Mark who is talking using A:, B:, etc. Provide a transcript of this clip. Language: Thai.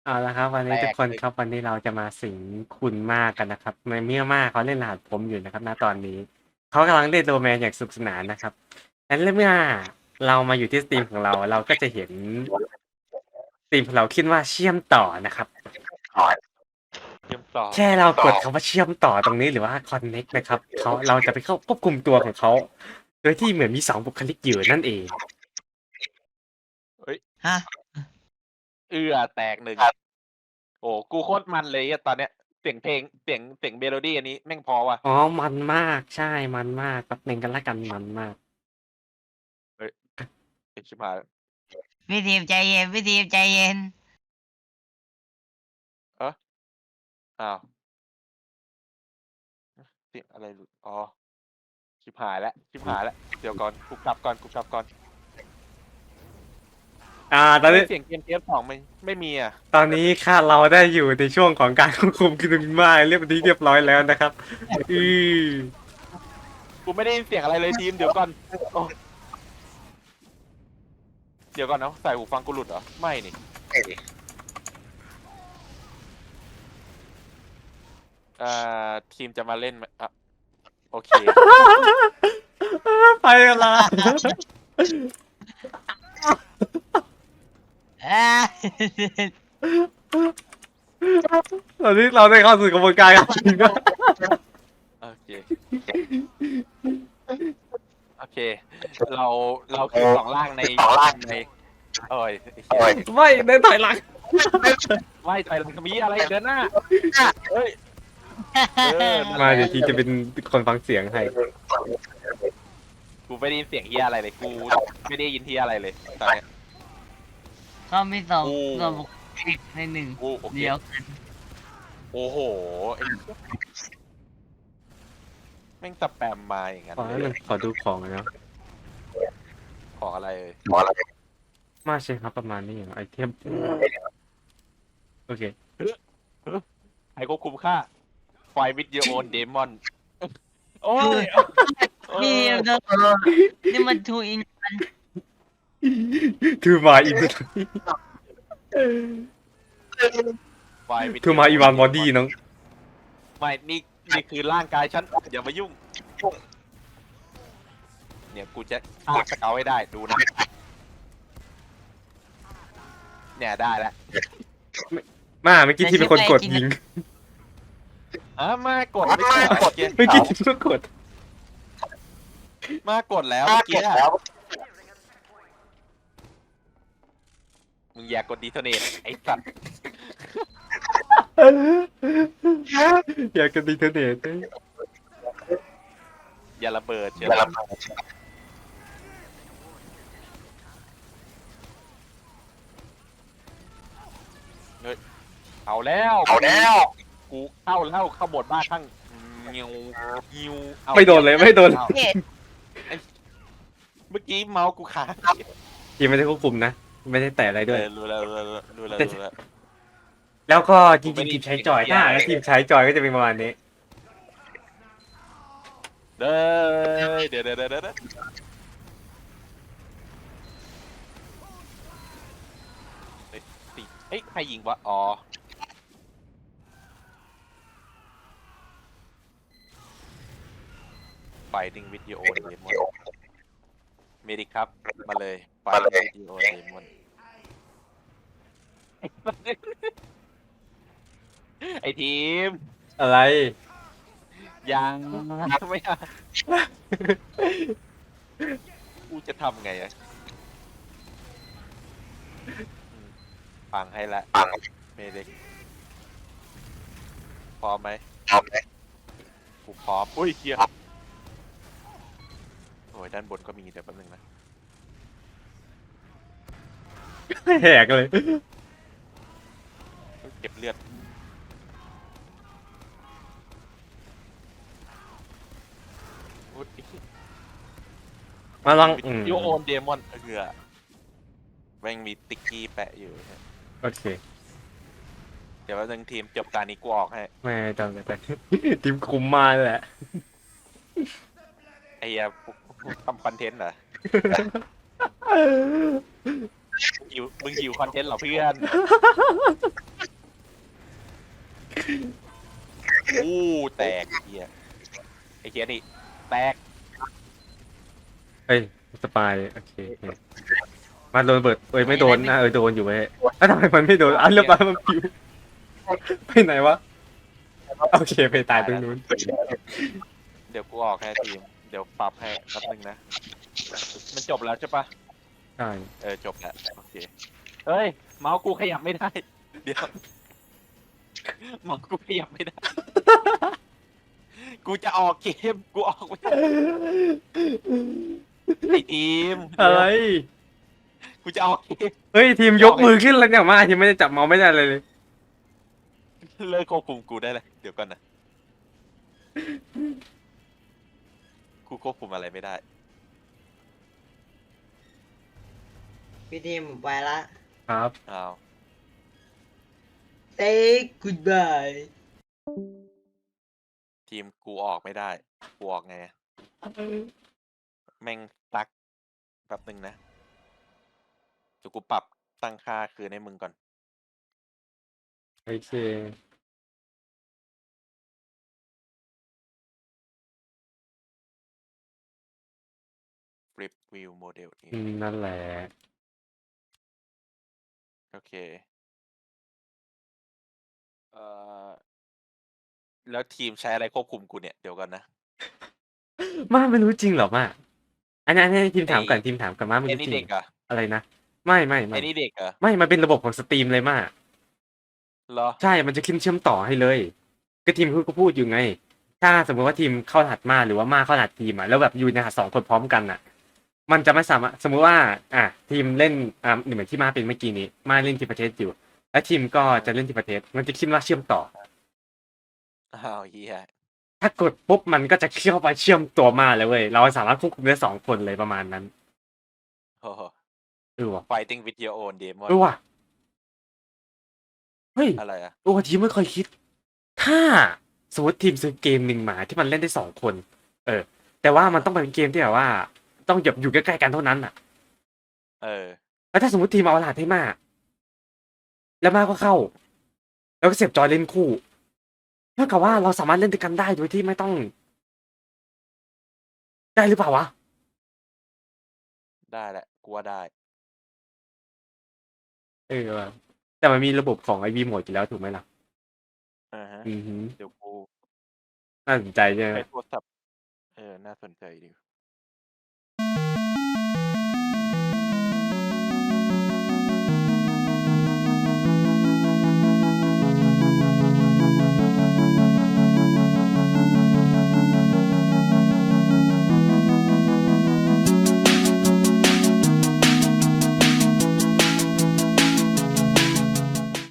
A: เอาละครับวันนี้ทุกคน
B: เลย
A: ครับวันนี้เราจะมาสิงคุณมากกันนะครับในเมื่อมากเขาเล่นรหัสผมอยู่นะครับณตอนนี้เขากำลังเล่นโดแมนอย่างสนุกสนานนะครับงั้นเมื่อเรามาอยู่ที่สตรีมของเราเราก็จะเห็นสตรีมของเราขึ้นว่าเชื่อมต่อนะครับ
B: เชื่อมต่อ
A: แค่เรากดคำว่าเชื่อมต่อตรงนี้หรือว่า connect นะครับเราจะไปเข้าควบคุมตัวของเขาโดยที่เหมือนมี2 บุคลิกอยู่นั่นเอง
B: เฮ้ย
C: ฮะ
B: แตกหนึ่งโอ้กูโคตรมันเลยอะตอนเนี้ยเสียงเพลงเสียงเมโลดี้อันนี้แม่งพอว่ะ
A: อ๋อมันมากใช่มันมากแป๊บนึงกันละกันมันมาก
B: เฮ้ยไอ้ชิบหาย
C: พี่ทีมใจเย็นพี่ทีมใจเย็น
B: เอออ้าวเสียงอะไรหลุดอ๋อชิบหายแล้วเดี๋ยวก่อนกูกลับก่อน
A: ตอนนี้
B: เสียงเกมเทปสองไม่มีอ่ะ
A: ตอนนี้ค่ะเราได้อยู่ในช่วงของการควบคุมคุณมาเรียบร้อยแล้วนะครับอือ
B: กูไม่ได้ยินเสียงอะไรเลยทีมเดี๋ยวก่อนโอ้เดี๋ยวก่อนนะใส่หูฟังกูหลุดเหรอไม่นี่อ่ทีมจะมาเล่นไหมอ่ะโอเค
A: ไปกันละตอนนี้เราได้เข้าสู่กระบวนการการจริงแล้ว
B: โอเคโอเคเราคือสองร่างในโอ้ยไอ้เหี้ย
A: ไม่เดินถอยหลัง
B: ไม่ถอยหลังมีอะไรเดินหน้าเฮ้ยนั่นแห
A: มา
B: ละ
A: เดี๋ยวทีจะเป็นคนฟังเสียงให้
B: กูไม่ได้ยินเสียงเฮียอะไรเลยกูไม่ได้ยินเฮียอะไรเลยตอนเนี้ย
C: เขามีสอง
B: โอ้
C: ส่วนบุคลิกในหนึ่ง
B: โอ้โอเค
C: เดียวกัน
B: โอ้โหไอ้แม่งสแปมมาอย่างนั้น
A: ขอ
B: เลย
A: ขอดูของหนะ
B: ของอะไรเลย
A: มาใช่ครับประมาณนี้อย่างไอเทมโอเค
B: ให้ควบคุมค่าไฟวิดโอโอนเดมอนโอ้ย
C: พี่เดินนี่มันทูอิน
A: ทูมาอิน
B: ไฟวิด
A: ทูมาอีวานบอดี้น้อง
B: ไม่นี่คือร่างกายฉันอย่ามายุ่งเนี่ยกูจะฆ่าสเกาให้ได้ดูนะเนี่ยได้แล้ว
A: มาเมื่อกี้ที่เป็นคนกดยิง
B: มากดไม่ใช่เหรอ
A: เมื่อกี้ที่เป็นกด
B: มากดแล้วเมื่อกี้มึงอย่ากดดีโทเนตไอ้สัตว์
A: อยากกันดีเทอร์เนต
B: อย่าระเบิดเชียวเฮ้ยเอาแล้วกูเข้าแล้วเข้าบทบ้าข้างเงียวยิวอา
A: ไม่โดนเลยไม่โดน
B: อาเมื่อกี้เมาส์กูค้าง
A: ทีมไม่ได้ควบคุมนะ ไม่ได้แตะอะไรด้วย
B: รู้แล้ว
A: แล้วก็จริงๆทีมใช้จอยถ้าแล้วทีมใช้จอยก็จะเป็นประมาณนี้
B: เดี๋ยวเฮ้ยใครยิงวะอ๋อไฟดิ้งวิดีโอเดมอนเมดิครับมาเลยไฟดิ้งวิดีโอเดมอนไอทีม
A: อะไร
B: ยังไม่อะกูจะทำไงอะฟังให้ละเมดิกพร้อมไหมกูพร้อมอุ้ยเฮียโอ้ยด้านบนก็มีเดี๋ยวแป๊บนึงนะ
A: แหกเลย
B: เก็บเลือดอุ๊ย
A: มาลอง
B: โยโอนเดมอนเกือแม่งมีติ๊กกี้แปะอยู่
A: โอเค
B: เดี๋ยวแป๊บนึงทีมจบการนี้กูออกให้
A: ไม่ต้องแต่ทีมคุมมาแหละ
B: ไอ้เหี้ยทำคอนเทนต์เหรอมึงหิวคอนเทนต์เหรอเพื่อนแตกไอ้เฮียไอ้เฮียนี่แตก
A: เฮ้ยสปายโอเคโอเคมาโดนระเบิดเอ้ยไม่โดนนะโดนอยู่เว้ยแล้วทำไมมันไม่โดนเรียบร้อยมันปิวไปไหนวะโอเคไปตายตรงนู้น
B: เดี๋ยวกูออกให้ทีมเดี๋ยวปรับให้แป๊บนึงนะมันจบแล้วใช่ปะ
A: ใช่
B: จบแล้วโอเคเฮ้ยเมาส์กูขยับไม่ได้เดี๋ยวเมาส์กูขยับไม่ได้ กูจะออกเกมกูออกไม่ได้ไอทีม
A: อะไร
B: กูจะออกเกม
A: เฮ้ยทีมยกมือขึ้นแล้วเนี่ยมาทีมไม่ได้จับเมาส์ไม่ได้เลย
B: เลิกควบคุมกูได้เลยเดี๋ยวก่อนนะกูควบคุมอะไรไม่ได้
C: พี่ทีมไปละ
A: ครับ
B: อ้าว
C: say goodbye
B: ทีมกูออกไม่ได้กูออกไงแม่งตักแป๊บนึงนะเดี๋ยวกูปรับตั้งค่าคืนให้มึงก่อน
A: โอเค
B: flip view model นี่
A: นั่นแหละ
B: โอเคเอ่อแล้วทีมใช้อะไรควบคุมกูเนี่ยเดี๋ยวก่อนนะ
A: มาไม่รู้จริงเหรอมาอันนี้ทีมถามก่อนทีมถามก่อนมาไม่
B: ไอ้
A: รู้
B: นี่
A: จริ
B: เด็
A: ง
B: กเหรอะ
A: อะไรนะไม่
B: ไอ้นี่เด็กเหรอ
A: ไม่มันเป็นระบบของสตรีมเลยมา
B: เหรอ
A: ใช่มันจะขึ้นเชื่อมต่อให้เลย ก็ทีมก็พูดอยู่ไง ถ้าสมมติว่าทีมเข้ารหัสมาหรือว่ามาเข้ารหัสทีมอ่ะแล้วแบบอยู่ในรหัสสองคนพร้อมกันอ่ะ มันจะไม่สามารถสมมุติว่าทีมเล่นเหมือนที่มาเป็นเมื่อกี้นี้มาเล่นทีมประเทศอยู่ แล้วทีมก็จะเล่นทีมประเทศมันจะขึ้นว่าเชื่อมต่อ
B: อ้าวเฮีย
A: ถ้ากดปุ๊บมันก็จะเข้าไปเชื่อมตัวมาเลยเว้ยเราสามารถควบคุมได้2 คนเลยประมาณนั้น
B: โอ้โห
A: ว่ะ
B: fighting with your own demon
A: ว่ะเฮ้ย
B: อะไรอะ
A: ทีมไม่เคยคิด ถ้าสมมติทีมซื้อเกมหนึ่งมาที่มันเล่นได้2 คน แต่ว่ามันต้องเป็นเกมที่แบบว่า ต้องอยู่ใกล้ๆกันเท่านั้นอ่ะ แล้วถ้าสมมติทีมเอารหัสให้มาแล้วมาก็เข้า แล้วก็เสียบจอยเล่นคู่เท่ากับว่าเราสามารถเล่นด้วยกันได้โดยที่ไม่ต้อง ได้หรือเปล่าวะ
B: ได้แหละกูว่าได้
A: ว่ะแต่มันมีระบบของไอวีโหมดอยู่แล้วถูกไหมล่ะ
B: อ่าฮะ
A: อือฮึ
B: เดี๋ยวกู
A: น่าสนใจใช่ไหม
B: ใช้โทรศัพท์น่าสนใจดี